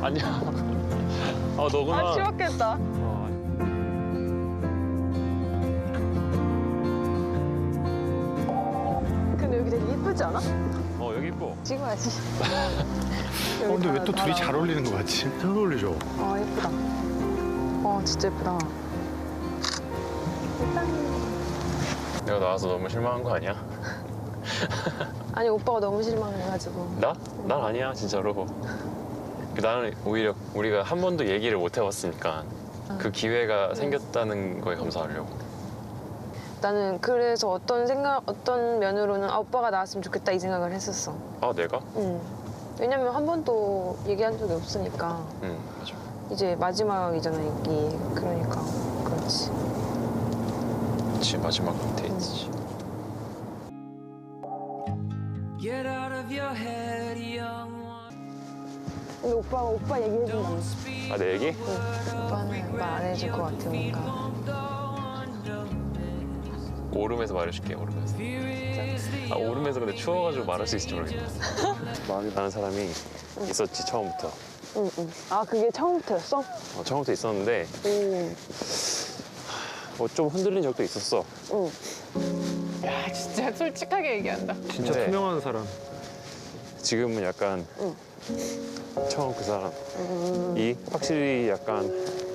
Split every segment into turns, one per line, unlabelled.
아니야. 너구나.
아, 싫었겠다. 근데 여기 되게 이쁘지 않아?
여기 이뻐.
찍어야지.
근데 왜 또 둘이 잘 어울리는 거 같지? 잘 어울리죠?
예쁘다. 진짜 예쁘다.
내가 나와서 너무 실망한 거 아니야?
아니, 오빠가 너무 실망해가지고.
나? 난 아니야, 진짜로. 나는 오히려 우리가 한 번도 얘기를 못 해봤으니까 그 기회가 생겼다는 거에 감사하려고.
나는 그래서 어떤 면으로는 오빠가 나왔으면 좋겠다 이 생각을 했었어.
내가?
응. 왜냐면 한 번도 얘기한 적이 없으니까.
응, 맞아.
이제 마지막이잖아, 이게. 그러니까. 그렇지.
그치, 마지막 데이트지.
근데 오빠 얘기해준다며.
내 얘기?
응. 오빠는 말 안 해줄 것 같으니까.
오름에서 말해줄게, 오름에서. 오름에서 근데 추워가지고 말할 수 있을지 모르겠네. 마음이 가는 사람이 있었지, 처음부터.
응. 그게 처음부터였어?
처음부터 있었는데 좀 흔들린 적도 있었어.
응.
야, 진짜 솔직하게 얘기한다.
진짜
네.
투명한 사람.
지금은 약간 처음 그 사람이 확실히 약간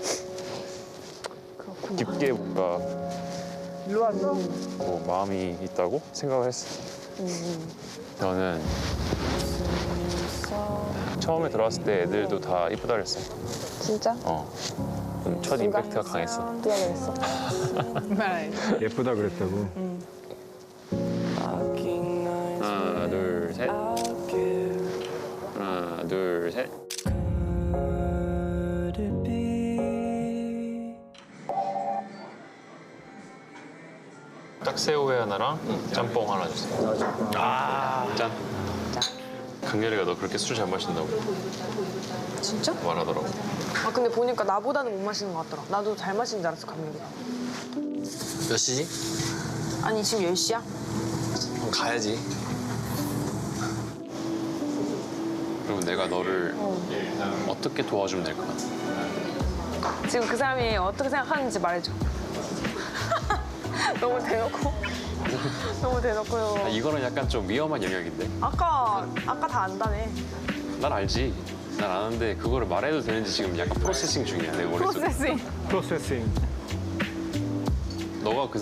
그렇구나.
깊게 뭔가
일로 왔어?
마음이 있다고 생각을 했어. 저는 처음에 들어왔을 때 애들도 다 이쁘다 그랬어.
진짜?
첫 임팩트가 강했어.
누가 그랬어?
말
예쁘다 그랬다고.
하나, 둘, 셋. 하나, 둘, 셋. 딱새우회 하나랑 짬뽕 하나 주세요. 짠. 강렬이가 너 그렇게 술 잘 마신다고
진짜?
말하더라고.
근데 보니까 나보다는 못 마시는 것 같더라. 나도 잘 마시는 줄 알았어, 감독이가.
몇 시지?
아니, 지금 10시야?
그럼 가야지.
그러면 내가 너를 어떻게 도와주면 될까?
지금 그 사람이 어떻게 생각하는지 말해줘. 너무 대놓고. 너무 대놓고요.
이거는 약간 좀 위험한 영역인데.
아까 다 안다네.
난 알지. 난 아는데 그거를 말해도 되는지 지금 약간 프로세싱 중이야, 내 머릿속에.
프로세싱.
너가 그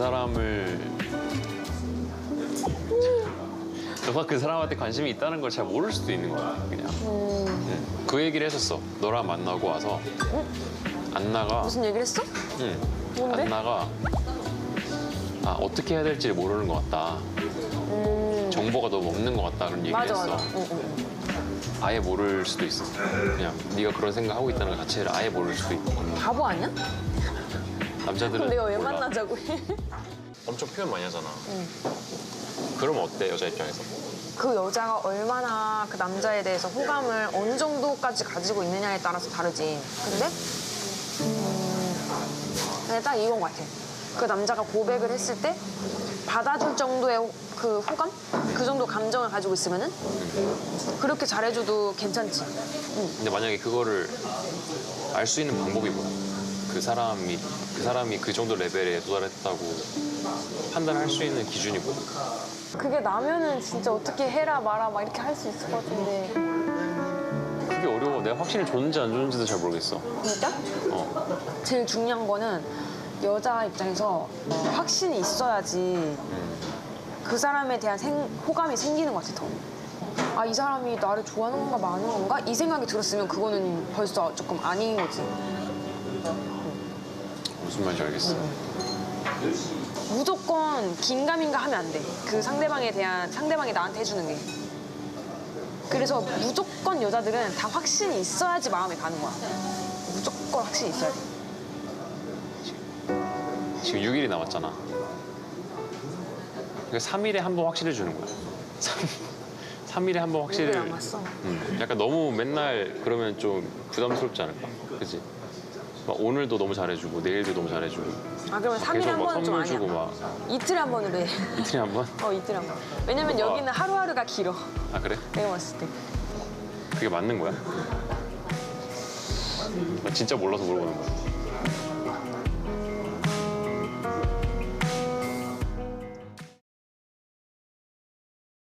사람한테 관심이 있다는 걸 잘 모를 수도 있는 거야, 그냥. 그 얘기를 했었어. 너랑 만나고 와서 안나가
무슨 얘기를 했어? 뭔데?
안나가 어떻게 해야 될지 모르는 것 같다. 정보가 너무 없는 것 같다, 그런 얘기를
맞아,
했어.
맞아. 응.
아예 모를 수도 있어. 그냥 네가 그런 생각하고 있다는 것 자체를 아예 모를 수도 있고.
바보 아니야?
남자들은
그럼 내가 왜
몰라.
만나자고 해?
엄청 표현 많이 하잖아. 그러면 어때, 여자 입장에서?
그 여자가 얼마나 그 남자에 대해서 호감을 어느 정도까지 가지고 있느냐에 따라서 다르지. 근데 그냥 딱 이건 것 같아. 그 남자가 고백을 했을 때 받아줄 정도의 그 호감? 그 정도 감정을 가지고 있으면은 그렇게 잘해줘도 괜찮지.
근데 만약에 그거를 알 수 있는 방법이 뭐야? 그 사람이 그 정도 레벨에 도달했다고 판단할 수 있는 기준이 뭐야?
그게 나면은 진짜 어떻게 해라 마라 막 이렇게 할 수 있을 것 같은데.
그게 어려워. 내가 확실히 좋은지 안 좋은지도 잘 모르겠어.
진짜? 제일 중요한 거는 여자 입장에서 확신이 있어야지 그 사람에 대한 호감이 생기는 것 같아, 더. 이 사람이 나를 좋아하는 건가 마는 건가? 이 생각이 들었으면 그거는 벌써 조금 아닌 거지.
무슨 말인지 알겠어.
무조건 긴가민가 하면 안 돼. 그 상대방이 나한테 해주는 게. 그래서 무조건 여자들은 다 확신이 있어야지 마음에 가는 거야. 무조건 확신이 있어야 돼.
지금 6일이 남았잖아. 그러니까 3일에 한 번 확실해 주는 거야. 3일에 한 번 확실히.
6일 남았어.
약간 너무 맨날 그러면 좀 부담스럽지 않을까? 그치? 막 오늘도 너무 잘해주고 내일도 너무 잘해주고.
그러면 3일에
계속
한
막
번은 좀
선물
아니야.
주고 막
이틀에 한 번으로 해.
이틀에 한 번?
이틀에 한 번. 왜냐면 여기는 하루하루가 길어.
아 그래?
내가 봤을 때.
그게 맞는 거야? 나 진짜 몰라서 물어보는 거야.